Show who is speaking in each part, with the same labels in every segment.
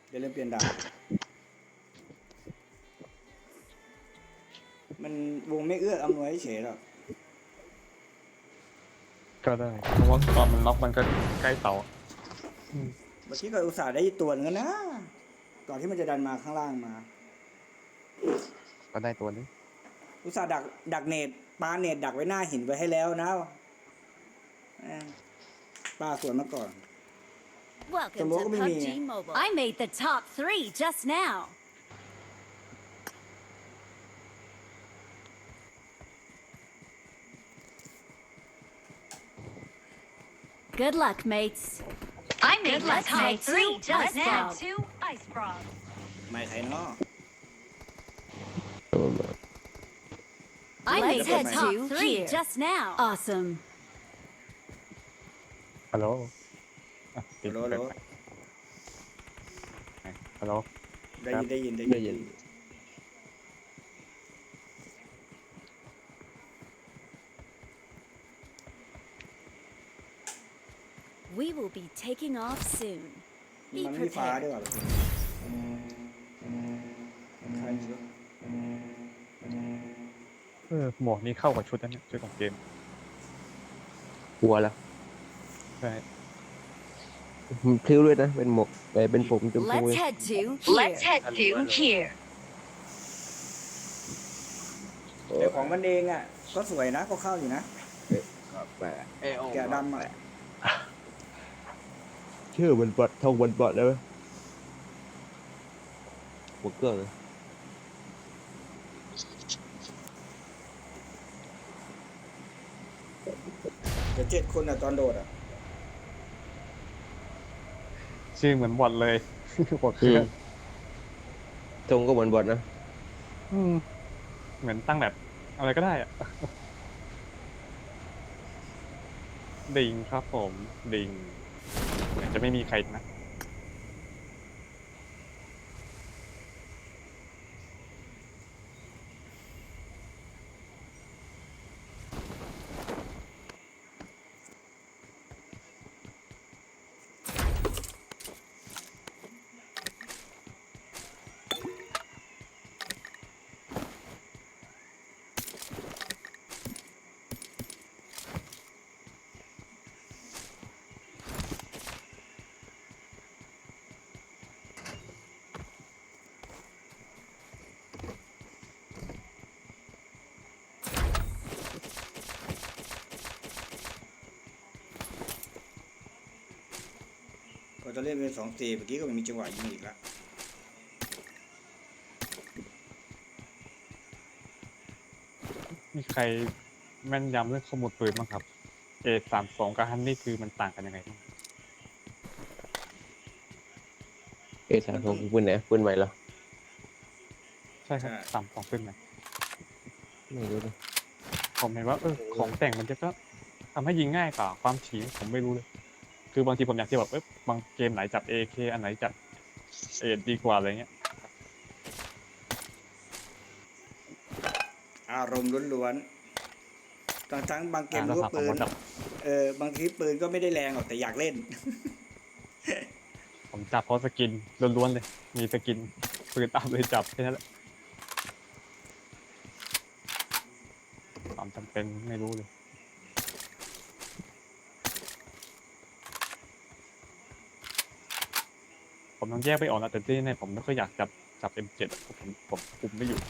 Speaker 1: เดี๋ยวเริ่มเปลี่ยนดาบมันวงไม่เอื้ออำนวยเฉยหรอก
Speaker 2: ก็ได้เพราะว่าตอนมันล็อกมันก็ใกล้เสา
Speaker 1: เมื่อกี้ก็อุตส่าห์ได้ตัวนึงนะก่อนที่มันจะดันมาข้างล่างมา
Speaker 2: ก็ได้ตัวนี้
Speaker 1: อุตส่าห์ดักเนตปาเนตดักไว้หน้าหินไว้ให้แล้วนะปาสวนมาก่อน
Speaker 3: Welcome to PUBG Mobile. I made the top 3 just now. Good luck, mates. I made the top 3 just now. 2 ice frogs.
Speaker 1: ไม่ใครเนาะ
Speaker 3: I made the top 3 just now. Awesome.
Speaker 2: ฮัลโหล
Speaker 1: โลโล
Speaker 2: ฮัลโหล
Speaker 1: ได้ยิน
Speaker 3: We will be taking off soon.
Speaker 1: มัน
Speaker 3: Be
Speaker 1: ไม่มีฟ้าด้วย
Speaker 3: prepared.
Speaker 1: ว่ะใครไม่รู้
Speaker 2: หมวกนี้เข้ากับชุดนั้นเนี่ยชุดของเกม
Speaker 4: กลัวแล้ว
Speaker 2: ใช่
Speaker 4: มันพลิ้วด้วยนะเป็นหมวกเป็นผมชมพู
Speaker 3: Let's head to here. Let's head to here.
Speaker 1: แต่ของมันเองอ่ะก็สวยนะก็เข้าอยู่นะ แกะดำอ่ะ
Speaker 4: ชื่อมันบอดท่องบนบอดแล้วไหมหัวเกลือเลย
Speaker 1: เดี๋ยว7 คนอ่ะตอนโดดอ่ะ
Speaker 2: ชื่อเหมือนบอทเลย บอทเครื่อง
Speaker 4: ทงก็เหมือนบอดนะ
Speaker 2: เหมือนตั้งแบบอะไรก็ได้อะดิงครับผมดิงเหมือนจะไม่มีใครนะ
Speaker 1: ก็จะเล่นเป็น2-4เมื่อกี้ก็ไม่มีจังหวะยิงอีกแล้ว
Speaker 2: มีใครแม่นยำเรื่องข้อมูลปืนบ้างครับ A32 กับฮันนี่คือมันต่างกันยังไงบ้าง
Speaker 4: สามทงปืนไหนปืนใหม่เหรอ
Speaker 2: ใช่ครับต่ำสองขึ้นไหม
Speaker 4: ไม่รู้เลย
Speaker 2: ผมเห็นว่าของแต่งมันจะก็ทำให้ยิงง่ายกว่าความถี่ผมไม่รู้เลย คือบางทีผมอยากจะแบบบางเกมไหนจับ AK อันไหนจับเอดีกว่าอะไรเงี้ย
Speaker 1: อารมณ์ล้วนๆทั้งบางเกม
Speaker 2: แล้ว
Speaker 1: รู้
Speaker 2: ถาม
Speaker 1: ว่า
Speaker 2: ผม
Speaker 1: ปืน
Speaker 2: ว่าแบบ
Speaker 1: บางทีปืนก็ไม่ได้แรงหรอกแต่อยากเล่น
Speaker 2: ผมจับเพราะสกินล้วนๆเลย มีสกินปืนตามเลยจับแค่นั้นแหละความจำเป็นไม่รู้เลย ผมต้องแยกไปออกนะแต่ที่ในผมไม่ค่อยอยากจับ M7 ผมคุมไม่อยู่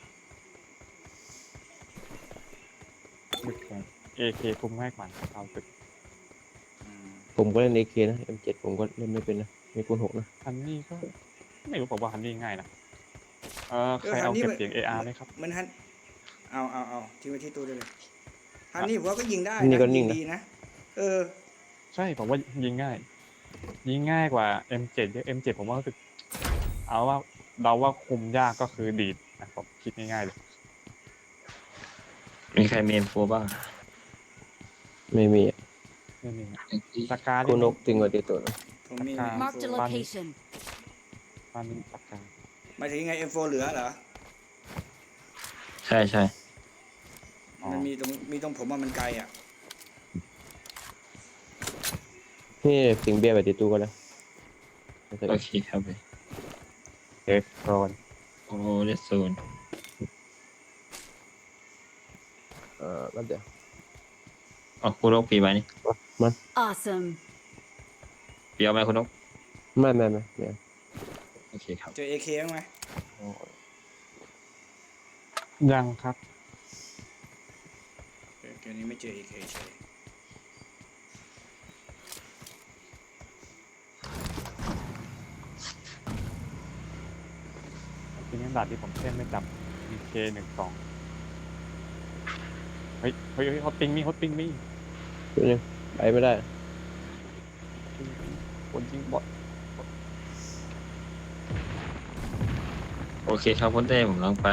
Speaker 2: AK คุมง่ายกว่าเอาตึก
Speaker 4: ผมก็เล่น AK นะ M7 ผมก็เล่นไม่เป็นนะมีคูณ6นะ
Speaker 2: ฮันนี่ก็ไม่รู้ผมว่าฮันนี่ง่ายนะใครเอาเก็บเสียง AR ไหมครับ
Speaker 1: มันฮันเอาทิ้งไว้ที่ตู้ได้เลยฮันนี่ผมว่าก็ยิงได้
Speaker 4: นี่
Speaker 1: นะ
Speaker 4: ก็นิ่
Speaker 1: ยิ
Speaker 4: ง
Speaker 1: ง
Speaker 4: นะ
Speaker 1: ดีนะ
Speaker 2: ใช่ผมว่ายิงง่ายกว่า M7 เยอะ M7 ผมว่ารู้สึกเอาว่าเราว่าคุมยากก็คือดีดนะผมคิดง่ายๆเลย
Speaker 5: มีใครเมนโฟบ้าง
Speaker 4: ไม่มี
Speaker 2: นี่นี่สกา
Speaker 4: คูณ6จริงกว่าตีตัวนะ
Speaker 1: ผมมี
Speaker 3: Marked a location.
Speaker 2: มันสกา
Speaker 1: หมายถึงยังไง M4 เหลือเหรอ
Speaker 5: ใช่ใช่
Speaker 1: มันมีตรงผมว่ามันไกลอ่ะ
Speaker 4: นี่สิงเบียร์ไปตีตู้ก็แล้ว
Speaker 5: โอเคครับ
Speaker 2: เอ็กโซน
Speaker 5: โอ้เดซโซน
Speaker 4: แล้วเดี๋ยว
Speaker 5: อ๋อคุณนกปีไปนี่
Speaker 3: Awesome.
Speaker 5: ปีเอาไหมคุณนก
Speaker 4: ไม่
Speaker 5: โอเคครับ
Speaker 1: เจอ AK บ้างไหม
Speaker 2: ยังครับ
Speaker 1: เกมนี้ไม่เจอ AK เฉย
Speaker 2: ทีนี้ด่านที่ผมเล่นไม่จำ BK12 เฮ้ยฮอตปิงมี
Speaker 4: ตัวนึงไปไม่ได้
Speaker 2: คนยิงบอท
Speaker 5: โอเคครับคุณเต้ผมลองไป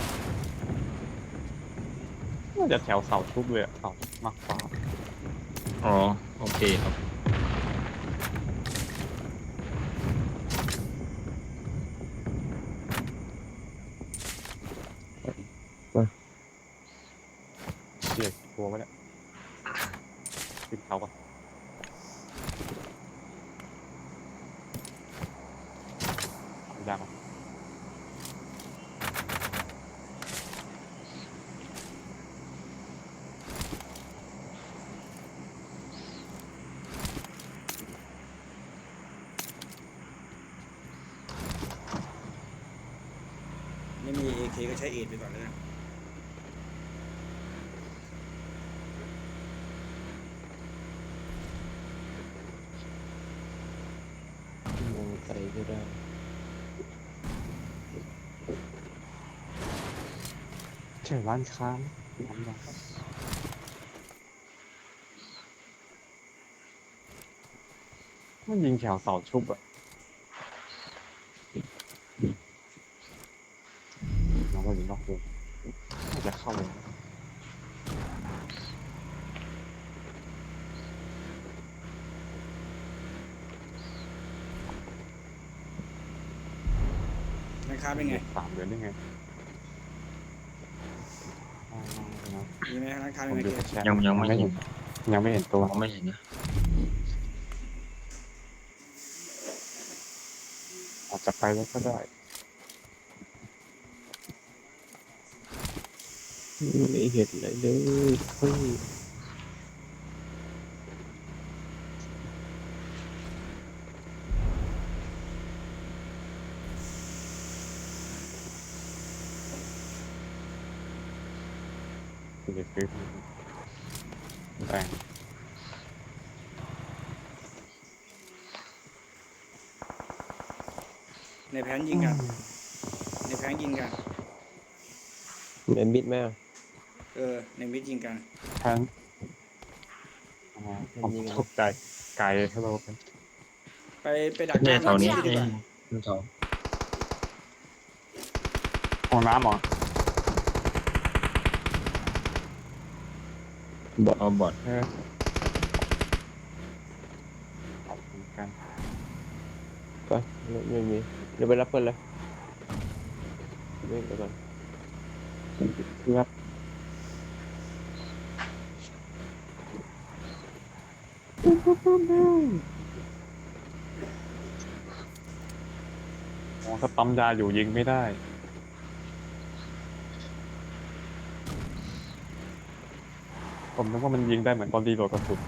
Speaker 2: น่าจะแถวเสาชุบเลยอะเสาชุบมากกว่า
Speaker 5: อ๋อโอเคครับ
Speaker 2: เสียกลัวไว้เนี่ยขึ้นเขาปะยากปะ
Speaker 1: ไม่มี AK ก็ใช้เอทไปก่อนเลยนะ
Speaker 4: มองไปก็ได้
Speaker 2: เชื่อร้านค้าน้ำยามันยิงแถวเสาชุบอะน้องว่ายิงนอกวงน่าจะเข้าวง
Speaker 1: ราคาเป็นไง
Speaker 2: 3 เดือนได้ไงอ๋อ
Speaker 1: มีไหมราคา
Speaker 2: ผ
Speaker 1: เป็น
Speaker 2: ม
Speaker 1: ไง
Speaker 2: ดู
Speaker 1: เก
Speaker 2: แต่
Speaker 1: ม
Speaker 2: แชท
Speaker 5: ยังไม่เห็น
Speaker 2: ยังไม่เห็นตัว
Speaker 5: มองไม่เห็นนะ
Speaker 2: อาจจะไปแล้วก็ได้
Speaker 4: ไม่เห็นอะไรเลยเฮ้ย
Speaker 2: คือจะซื้อแต่ง
Speaker 1: ในแผนยิงกัน ในแผนยิงกัน
Speaker 4: เอ็มบิดแม่
Speaker 1: ในมิดยิงกัน
Speaker 2: แทนผมตกใจไกลให้เราเป็น
Speaker 1: ไปดักห
Speaker 5: เต้
Speaker 1: น้า
Speaker 5: แถวนี้
Speaker 1: ดีกว่า
Speaker 5: แถว
Speaker 2: ห้องน้ำเหรอ
Speaker 5: เอาบอด
Speaker 2: ขอบคุณกัน
Speaker 4: ไปไม่มีเดี๋ยวไปรับเพื่อนเลยไม่เดี๋ยวก่อน
Speaker 2: เพื่ออ๋อถ้าปั๊มยาอยู่ยิงไม่ได้ ผมนึกว่ามันยิงได้เหมือนตอนรีโหลดกระสุน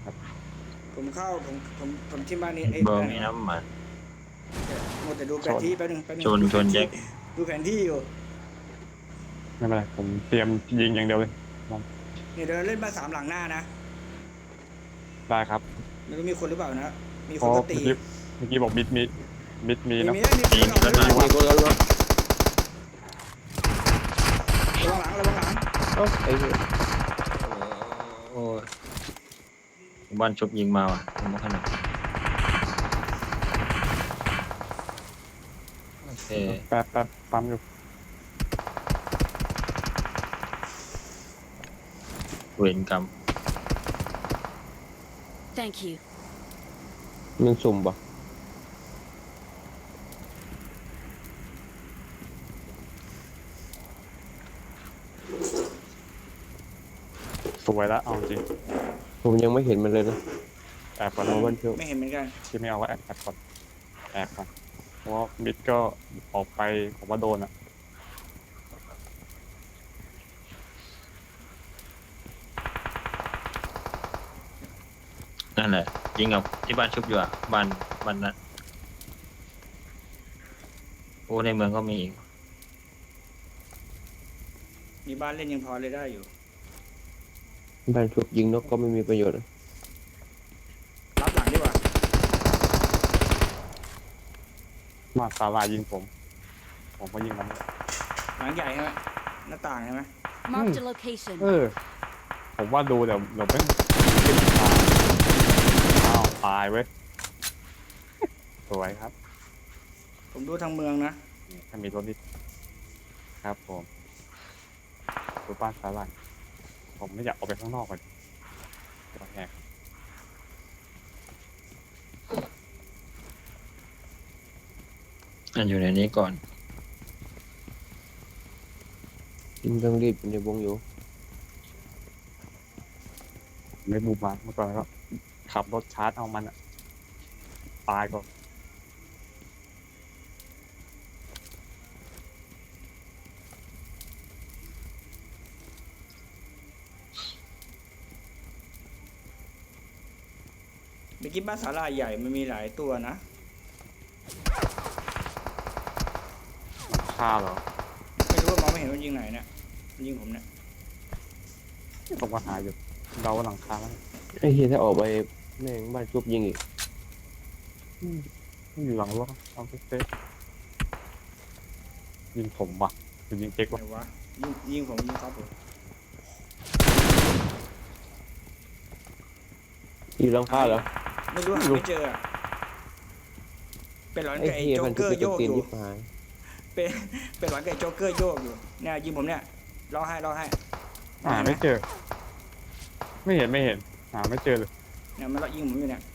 Speaker 1: ผมที่บ้านนี้
Speaker 5: เบอร์มีน้ำมัน
Speaker 1: หมดแต่ดูแผนที่แป๊บนึง
Speaker 5: ชนแจ็ค
Speaker 1: ดูแผนที่อยู่
Speaker 2: ไม่เป็นไรผมเตรียมยิงอย่างเดียวเลย
Speaker 1: เนี่ยเดินเล่นมา3หลังหน้านะ
Speaker 2: ได้ครับ
Speaker 1: ไม่รู้มีคนหรือเปล่านะ มี
Speaker 2: เพ
Speaker 1: คน
Speaker 2: ราะ
Speaker 1: ก็ตี
Speaker 2: เมื่อกี้บอกมิดมีเนอะ
Speaker 1: มีคนหลัง
Speaker 4: มีคนแล้วเนาะ
Speaker 1: ระวังหลัง
Speaker 4: เอ้าไอ้เหี้ย
Speaker 5: โอ้ยบ้านชุบยิงมาว่ะผมไม่ขนาดโอเค
Speaker 2: แป๊บปั๊มอยู่
Speaker 5: เวรกรรม
Speaker 3: Thank you.
Speaker 4: มันสุ่มปะ
Speaker 2: สวยแล้วเอาจริง
Speaker 4: ผมยังไม่เห็นมันเลยนะ
Speaker 2: แอบก่อน
Speaker 4: เอาวันเที่ยว
Speaker 1: ไม่เห็นเหมือนกัน
Speaker 2: ที่ไม่เอาก็แอบก่อนแอบก่อนเพราะว่ามิดก็ออกไปผมว่าโดนอ่ะ
Speaker 5: นั่นแหละยิงกับที่บ้านชุบอยู่อ่ะบ้านนั้นโอ้ในเมืองก็มีอีก
Speaker 1: มีบ้านเล่นยังพอเลยได้อยู่
Speaker 4: บ้านชุบยิงนกก็ไม่มีประโยชน์นะ
Speaker 1: รับหลังดีกว่า
Speaker 2: มาสาลายยิงผมก็ยิงมัน
Speaker 1: หลังใหญ่ใช่ไหมหน้าต่างใช่ไหม
Speaker 3: Marked a location.
Speaker 2: ผมว่าดูเดี๋ยวไม่ขึ้นตาอ้าวตายเว้ยสวยครับ
Speaker 1: ผมดูทางเมืองนะ
Speaker 2: นี่ถ้ามีรถนิดครับผมดูบ้านสาลายผมไม่อยากออกไปข้างนอกก่อนเดี๋ยวแหก
Speaker 5: อันอยู่ในนี้ก่อน
Speaker 4: ยิงต้องรีบอยู่ในวงอยู่
Speaker 2: ไม่บูมมาเมื่อก่อนก็ขับรถชาร์จเอามันอะตายก็
Speaker 1: เมื่อกี้บ้านศาลาใหญ่มันมีหลายตัวนะ
Speaker 2: ฆ่าเหรอ
Speaker 1: ไม่รู้ว่ามองไม่เห็นว่ายิงไหนเนี่ยมันยิงผมเนี่ย
Speaker 2: ผมก็หาอยู่เราก็หลังคาแล้ว
Speaker 4: ไอ้เฮียถ้าออกไปแม่งบ้านชุบยิงอีก
Speaker 2: อยู่หลังรถเอาเซ็ตยิงผมว่ะหรือยิงเจ๊ก
Speaker 1: ไหน
Speaker 2: วะ
Speaker 1: วะยิงผมยิงครับผม
Speaker 4: อยู่หลังคาเหรอ
Speaker 1: ไม่รู้หาไม่เจออะเป็นหลอน
Speaker 4: ไอ้
Speaker 1: กับไอ้
Speaker 4: เฮีย
Speaker 1: โจ๊
Speaker 4: มั
Speaker 1: ก
Speaker 4: น
Speaker 1: เก
Speaker 4: ชุบ
Speaker 1: อ
Speaker 4: ไป
Speaker 1: ร์โย
Speaker 4: ตก
Speaker 1: ก
Speaker 4: ตีน
Speaker 1: อยู่
Speaker 4: ยิบหาย
Speaker 1: เป็นหลอนกับไอ้โจ๊กเกอร์โยกอยู่เนี่ยยิงผมเนี่ยรอให้
Speaker 2: หาไม่เจอ ไม่เห็นหาไม่เจอเลย
Speaker 1: เนี่ยมันรอยิงผมอยู่เนี่ย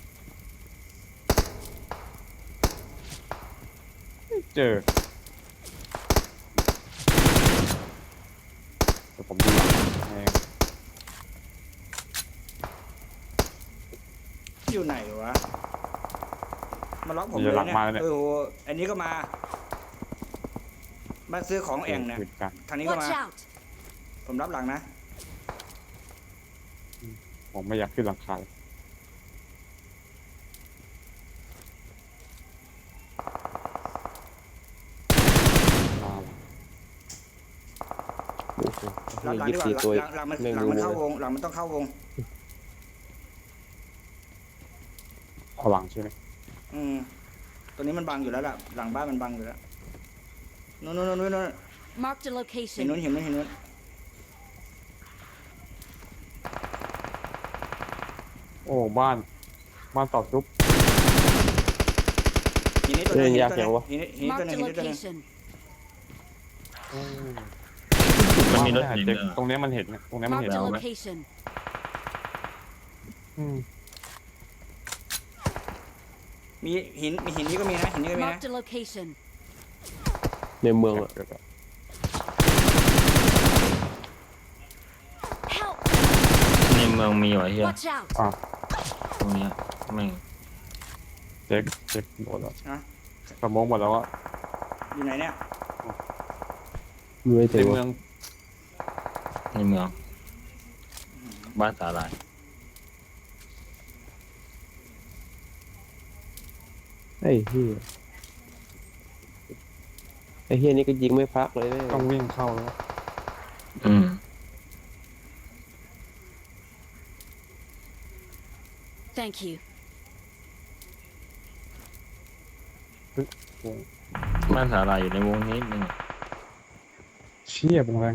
Speaker 2: ไม่เจอแต่ผมดูหลังเอง
Speaker 1: อยู่ไหนวะมาล็อกผม
Speaker 2: อ
Speaker 1: เล
Speaker 2: ยู่
Speaker 1: ย
Speaker 2: หลัง
Speaker 1: เนี่ย
Speaker 2: มาแล้วเนี่ย
Speaker 1: โอ้โหอันนี้ก็มาบ้านซื้อของแอ่งเนี่ย
Speaker 2: ปืนกัน
Speaker 1: ทางนี้ก็มา
Speaker 3: Watch out.
Speaker 1: ผมรับหลังนะ
Speaker 2: ผมไม่อยากขึ้นหลังคาเลยมาว่ะ
Speaker 4: โอ้โห
Speaker 1: รับหลัง
Speaker 4: ยี่
Speaker 1: ดี
Speaker 4: สิบ
Speaker 1: กว่า
Speaker 4: สี่ตัว
Speaker 1: หลังมัน
Speaker 4: แม่ง
Speaker 1: หลัง
Speaker 4: รู้
Speaker 1: มัน
Speaker 4: หม
Speaker 1: เข้า
Speaker 4: ด
Speaker 1: วงหลังมันต้องเข้าวง
Speaker 2: เอาหลังใช่ไหม
Speaker 1: ตัวนี้มันบังอยู่แล้วล่ะหลังบ้านมันบังอยู่แล้วนู่น
Speaker 3: Marked a
Speaker 1: เห็น
Speaker 3: location.
Speaker 1: นู้นเห็นนู้น
Speaker 2: โอ้บ้านต่อซุป
Speaker 1: หินนี้ตัวนึงหินนี้ตัวนึงหินนี้ตัว
Speaker 3: Marked
Speaker 1: นึ
Speaker 3: a
Speaker 1: งหินนี้ตัวนึง
Speaker 3: location.
Speaker 5: มันมีรถ
Speaker 2: บ้า
Speaker 5: หิน
Speaker 2: เจ๊ก
Speaker 5: ด้วย
Speaker 2: ตรงเนี้ยมันเห็นตรงเนี้ยมันเห็น
Speaker 3: Marked a
Speaker 5: Well,
Speaker 3: location.
Speaker 2: อืม
Speaker 1: มีหินนี้ก็มีนะหินนี้ก็มีนะ
Speaker 3: Marked a location.
Speaker 4: ในเมืองอะ
Speaker 3: Help.
Speaker 5: ในเมืองมีเหรอเฮีย
Speaker 3: Watch out.
Speaker 5: ตรงเนี้ยแม่ง
Speaker 2: เจ๊กหมดแล้ว
Speaker 1: ฮะ
Speaker 2: สมองหมดแล้วอะ
Speaker 1: อยู่ไหนเนี่ย
Speaker 4: ไม่
Speaker 2: ใน
Speaker 4: ถึง
Speaker 2: เมือง
Speaker 5: ในเมืองบ้านสาลาย
Speaker 4: ไอ้เฮียไอ้เฮียนี่ก็ยิงไม่พักเลยแม่ง
Speaker 2: ต้องวิ่งเข้าแล้ว
Speaker 5: อืม
Speaker 3: Thank you.
Speaker 5: บ้านสาลายอยู่ในวงนี้นึง
Speaker 2: เชี่ยวงแรง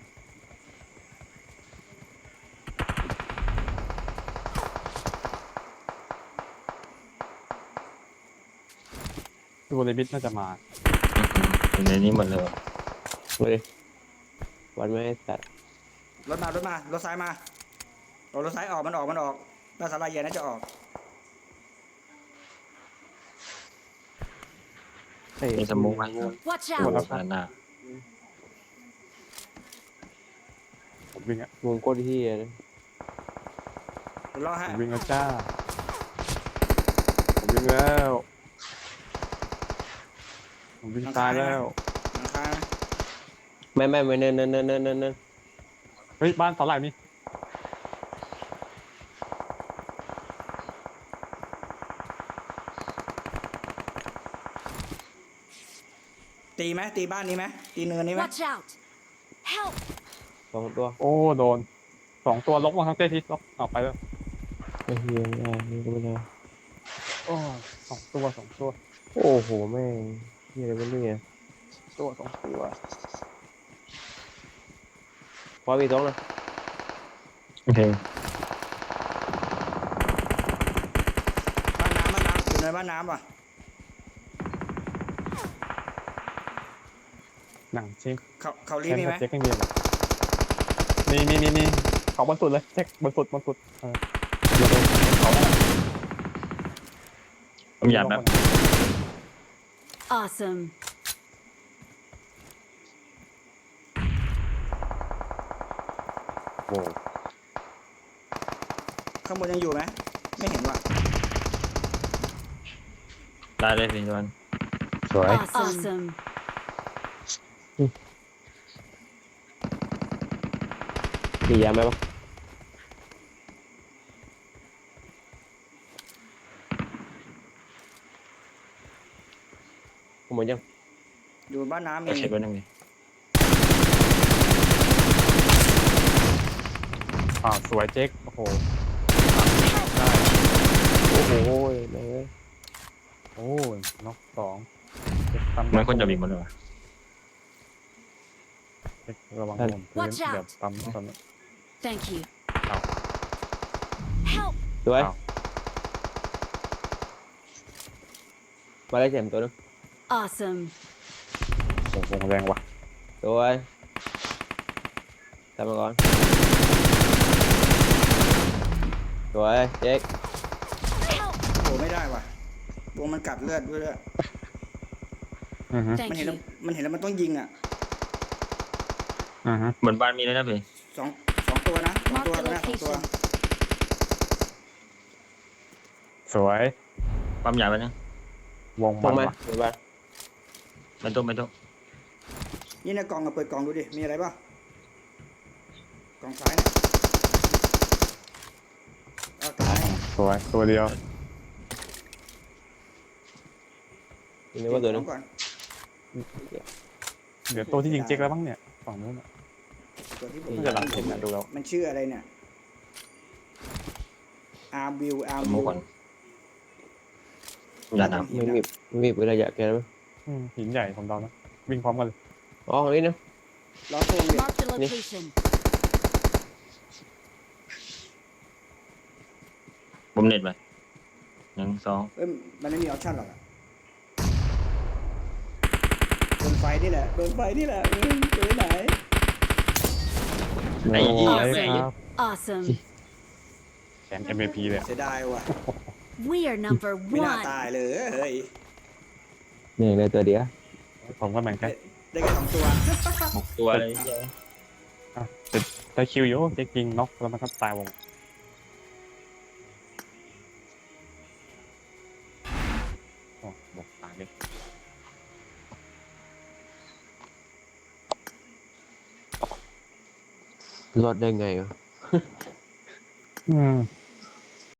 Speaker 2: ตัวเลบิทน่าจะมา
Speaker 5: อยู่ในนี้หมดเลยวะ
Speaker 4: เลยวันไม่ให้สัตว์
Speaker 1: รถรถซ้ายมาเอารถซ้ายออกมันออกบ้านศาลาใหญ่น่าจะออก
Speaker 4: ไอ้
Speaker 5: มีสมุกไหม
Speaker 3: Watch
Speaker 2: หมด
Speaker 3: out.
Speaker 2: แล้ว
Speaker 5: ด้านหน้า
Speaker 2: ผมวิ่งอะ
Speaker 4: วงโคตรเฮียนะ
Speaker 1: รอ
Speaker 2: ผ
Speaker 1: ฮะ
Speaker 2: มวิ่งแล้วจ้าผมวิ่งแล้วผมวิ่งตายแล้ว
Speaker 1: หลังคา
Speaker 4: ไม่เนิน
Speaker 2: เฮ้ยบ้านเสาหลักนี่
Speaker 1: ตีไหมตีบ้านนี้ไหมตีเนินนี้ไหม
Speaker 3: Watch out! Help!
Speaker 4: สองตัว
Speaker 2: โอ้โดน2 ตัวล็อกมาทั้งเต้ที่ล็อกออกไปแล้ว
Speaker 4: ไอ้เหี้ยนี่ก็ไม่ได้
Speaker 2: โอ้2 ตัว
Speaker 4: โอ้โหแม่งเหี้ยอะไรวะเนี่ย
Speaker 2: 2 ตัว
Speaker 4: พอมีสองเลย
Speaker 5: โอเค
Speaker 1: บ้านน้ำอยู่ในบ้านน้ำป่ะ
Speaker 2: หนังเช็ค
Speaker 1: เขารี
Speaker 2: แค่
Speaker 1: มีไหม
Speaker 2: เช็คไม่มีเลยนี่เขาบนสุดเลยเช็คบนสุดเขาแล้ว
Speaker 5: ผมอยากแบบ
Speaker 3: Awesome.
Speaker 2: โอ้
Speaker 1: ข้างบนยังอยู่ไหมไม่เห็นว่ะ
Speaker 5: ได้เลยพี่วัน
Speaker 4: สวย
Speaker 3: Awesome.
Speaker 4: มียาไหมปะผมหมดยัง
Speaker 1: อยู่บ้านน้ำมี
Speaker 5: ก็เช็คไว้นึงดิ
Speaker 2: สวยเจ๊กโอ้โห
Speaker 4: โอ้โหแม่งเอ้ย
Speaker 2: โอ้ยน็อก2
Speaker 5: เหมือนคนจะบินหมดเลยวะ
Speaker 2: เช็คระวังผมพื้น
Speaker 3: Watch out
Speaker 2: แบบปั๊มตอนนี้
Speaker 3: Thank you.
Speaker 2: Ow.
Speaker 3: Help!
Speaker 4: สวย
Speaker 2: อ้าว
Speaker 4: มาได้เจ็มตัวนึง
Speaker 3: Awesome.
Speaker 2: โอ้โหแรงว่ะ
Speaker 4: สวยทำมาก่อนสวยเจ๊ก
Speaker 3: Help!
Speaker 1: โอ้ไม่ได้ว่ะวงมันกัดเลือดด้วย
Speaker 2: อือฮึ
Speaker 1: มัน
Speaker 3: Thank
Speaker 1: เห็นแล้ว
Speaker 3: you.
Speaker 1: มันเห็นแล้วมันต้องยิงอ่ะ
Speaker 2: อือฮึ
Speaker 5: เหมือนบ้านมีเลยนะพี่
Speaker 1: สองตัวนะสอง
Speaker 3: Mark
Speaker 1: ตัว
Speaker 3: the
Speaker 1: นะสองตัว
Speaker 3: location.
Speaker 2: สวย
Speaker 5: ปั๊มยาไปนะ
Speaker 2: วง
Speaker 4: ตร
Speaker 2: มั
Speaker 4: ง
Speaker 2: น
Speaker 4: ไหม
Speaker 2: ว่ะ
Speaker 4: เดี๋ยวบ้าน
Speaker 5: ไม่ต้อง
Speaker 1: นี่ในกล่องเปิดกล่องดูดิมีอะไรบ้างกล่องซ้ายเนี่ยเอาตาย
Speaker 2: สวยตัวเดียว
Speaker 4: นี่ว่าตัวนึง
Speaker 1: ก่อน
Speaker 2: เดี๋ยวตัวที่ยิงเจ๊กแล้วบ้างเนี่ยฝั่งนู้นอ่ะ
Speaker 1: ตัวที่ผม
Speaker 2: น่าจะหลังเห็นนะดูแล้ว
Speaker 1: มันชื่ออะไรเนี่ยอาร์บิวอาร์
Speaker 5: ส
Speaker 1: บิ
Speaker 5: มุ
Speaker 1: ว
Speaker 5: ก่อนยาด
Speaker 4: ไม่มีระยะแกนไหม
Speaker 2: หินใหญ่ผมเดานะวิ่งพร้อมกันเลย
Speaker 4: อ๋อของนี้นะ
Speaker 1: ล้อโค้งดิ
Speaker 3: Mark the location.
Speaker 5: ำผมเน็ตไป1 2
Speaker 1: เอ้ยมันไม่มีออปชั่นหรอกอะโดนไฟนี่แหละโดนไฟนี่แหละเจอไหน
Speaker 5: ไอ้เหี้ย
Speaker 2: โอ้
Speaker 5: แม่ง
Speaker 2: ครับ
Speaker 3: Awesome.
Speaker 2: แชมป์ MVP เลย
Speaker 1: เสียดายว่ะ
Speaker 3: We are number
Speaker 1: ไม่น่า
Speaker 3: one.
Speaker 1: ตายเลยเฮ้ย
Speaker 4: นี่เลยตัวเดียว
Speaker 2: ผมก็เหมือนกัน
Speaker 1: ได้แค่2 ตัว
Speaker 5: 6 ตัวเลย
Speaker 2: ได้คิวอยู่เจ๊กยิงน็อกแล้วมันก็ตายวงโอ้บอกตายเลย
Speaker 4: รอดได้ไงวะ
Speaker 2: อืม